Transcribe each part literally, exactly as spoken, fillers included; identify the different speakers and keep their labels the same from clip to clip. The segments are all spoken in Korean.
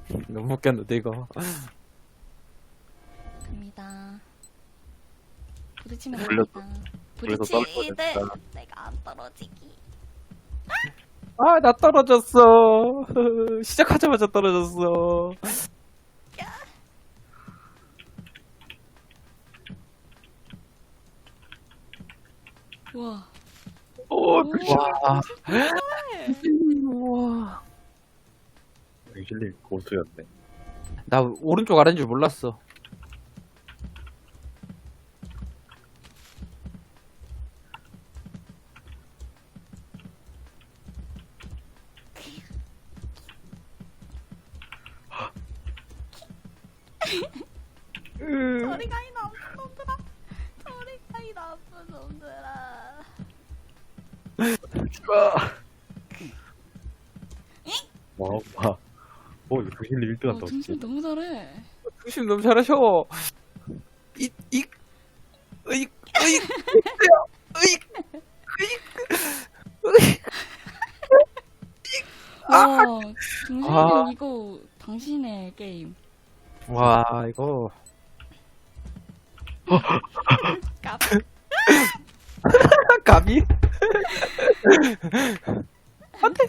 Speaker 1: 너무 웃겼는데 이거.
Speaker 2: 갑니다. 부딪히면
Speaker 3: 돌려서-
Speaker 2: 됩니다.
Speaker 3: 돌려서
Speaker 2: 부딪히되
Speaker 3: 떨어졌다.
Speaker 2: 내가 안 떨어지기.
Speaker 1: 아, 나 떨어졌어. 시작하자마자 떨어졌어.
Speaker 2: 우와.
Speaker 3: 오,
Speaker 2: 오,
Speaker 1: 와.
Speaker 2: 네.
Speaker 1: 우와.
Speaker 3: 힐링 고수였네.
Speaker 1: 나 오른쪽 아래인 줄 몰랐어.
Speaker 2: 저리 가, 이 나쁜 놈들아. 저리 가, 이 나쁜 놈들아.
Speaker 3: 와, 와. 오, 이거 힐링 일 등
Speaker 2: 어,
Speaker 3: 한다.
Speaker 2: 등신 너무 잘해.
Speaker 1: 중심 너무 잘하셔. 이, 이, 으이, 으이, 으이, 으이.
Speaker 2: 와, 등신이
Speaker 1: 아.
Speaker 2: 이거 당신의 게임.
Speaker 1: 와, 이거.
Speaker 2: 깝.
Speaker 1: 감히? 안 돼.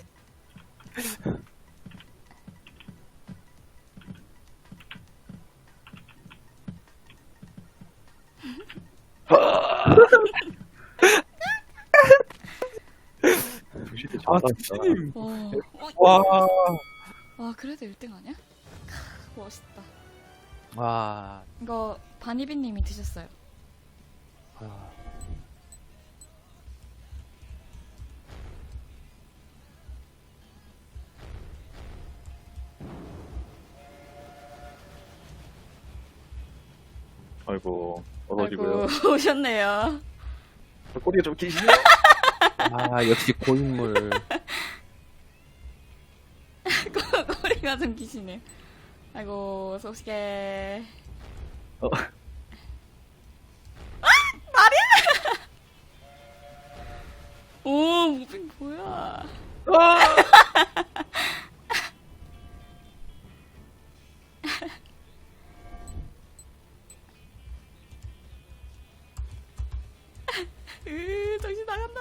Speaker 3: 힐링
Speaker 1: 아,
Speaker 3: 잘한다.
Speaker 1: 중심.
Speaker 2: 와,
Speaker 1: 와.
Speaker 2: 와, 그래도 일 등 아니야? 크, 멋있다.
Speaker 1: 와.
Speaker 2: 이거 바니비님이 드셨어요.
Speaker 1: 아.
Speaker 3: 아이고, 어서지고요.
Speaker 2: 아이고, 오셨네요.
Speaker 3: 꼬리가 좀 기시네요.
Speaker 1: 아, 역시 고인물.
Speaker 2: 꼬리가 좀 기시네. 아이고, 소식해.
Speaker 3: 어.
Speaker 2: 아! 말이야! 오, 무빙 뭐야. 으, 정신 나간다.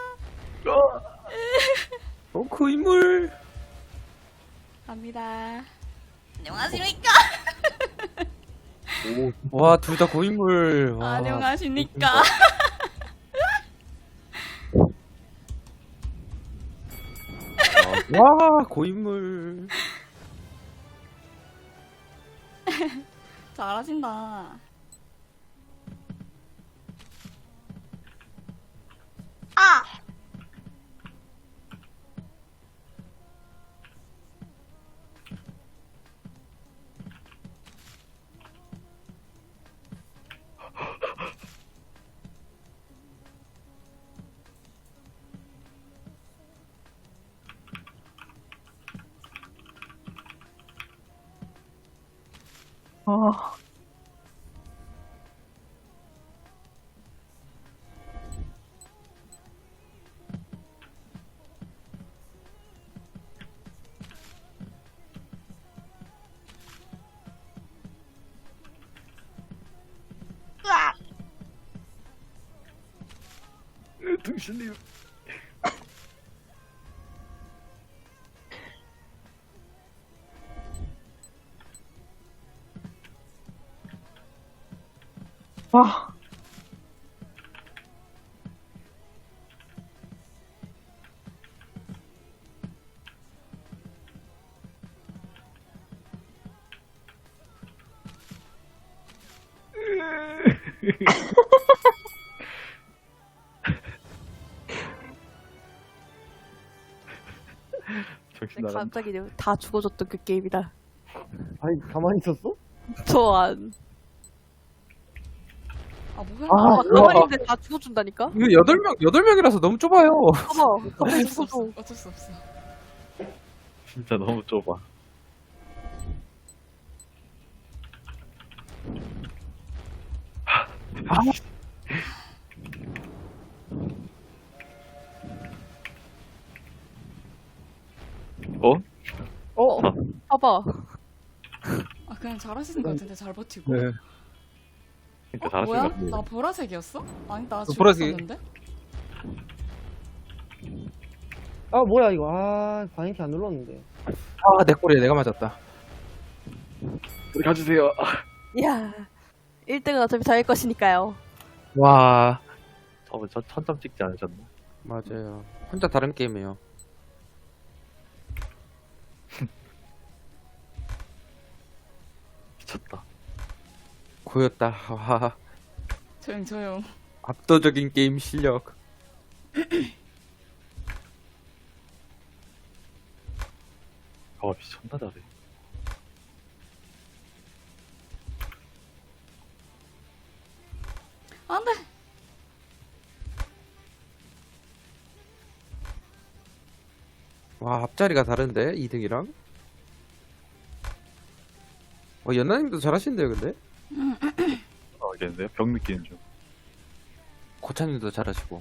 Speaker 1: 어, 고인물.
Speaker 2: 갑니다. 안녕하십니까?
Speaker 3: 오,
Speaker 1: 와, 둘 다 고인물. 와.
Speaker 2: 안녕하십니까?
Speaker 1: 와, 고인물.
Speaker 2: 잘하신다.
Speaker 1: 아.
Speaker 3: 등신님.
Speaker 1: 와.
Speaker 3: 정신 나간다.
Speaker 4: 갑자기 다 죽어줬던 그 게임이다.
Speaker 5: 아니 가만히 있었어?
Speaker 4: 저 안.
Speaker 2: 아, 뭐야?
Speaker 4: 아,
Speaker 1: 아,
Speaker 4: 가만히 있는데 다 죽어준다니까?
Speaker 1: 이거 여덟 명, 여덟 명이라서 너무 좁아요.
Speaker 4: 봐봐, 갑자기
Speaker 2: 어쩔 수 없어.
Speaker 4: 죽어줘.
Speaker 2: 어쩔 수 없어.
Speaker 3: 진짜 너무 좁아. 어?
Speaker 4: 어, 봐봐.
Speaker 2: 그냥 잘하시는 것 같은데 잘 버티고.
Speaker 1: 네.
Speaker 3: 진짜
Speaker 2: 어,
Speaker 3: 잘하신
Speaker 2: 뭐야?
Speaker 3: 것 같아요.
Speaker 2: 나 보라색이었어? 아니 나
Speaker 1: 그 보라색.
Speaker 2: 죽었었는데?
Speaker 5: 아 뭐야 이거 아 바인티 안 눌렀는데.
Speaker 1: 아, 내 꼬리에 내가 맞았다.
Speaker 3: 우리 가주세요.
Speaker 4: 야 일 등은 어차피 저일 것이니까요.
Speaker 1: 와.
Speaker 3: 처음에 저 천점 찍지 않으셨나?
Speaker 1: 맞아요. 혼자 다른 게임이에요.
Speaker 3: 미쳤다.
Speaker 1: 고였다. 와.
Speaker 2: 조용 조용.
Speaker 1: 압도적인 게임 실력.
Speaker 3: 아 미쳤나 잘해.
Speaker 2: 안돼.
Speaker 1: 와, 앞자리가 다른데? 이 등이랑? 어, 연나님도 잘하시는데요, 근데?
Speaker 3: 아 알겠는데요? 병 느끼는 중.
Speaker 1: 고찬님도 잘하시고.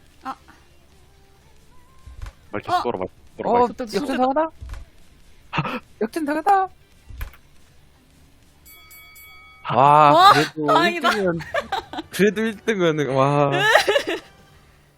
Speaker 3: 말투
Speaker 2: 어?
Speaker 3: 쏘라 말투 쏘라
Speaker 1: 어,
Speaker 3: 말투.
Speaker 2: 그때
Speaker 1: 역전 당하다? 역전 당하다? 와,
Speaker 2: 와,
Speaker 1: 그래도
Speaker 2: 다행이다.
Speaker 1: 일 등은, 그래도 일 등은, 와.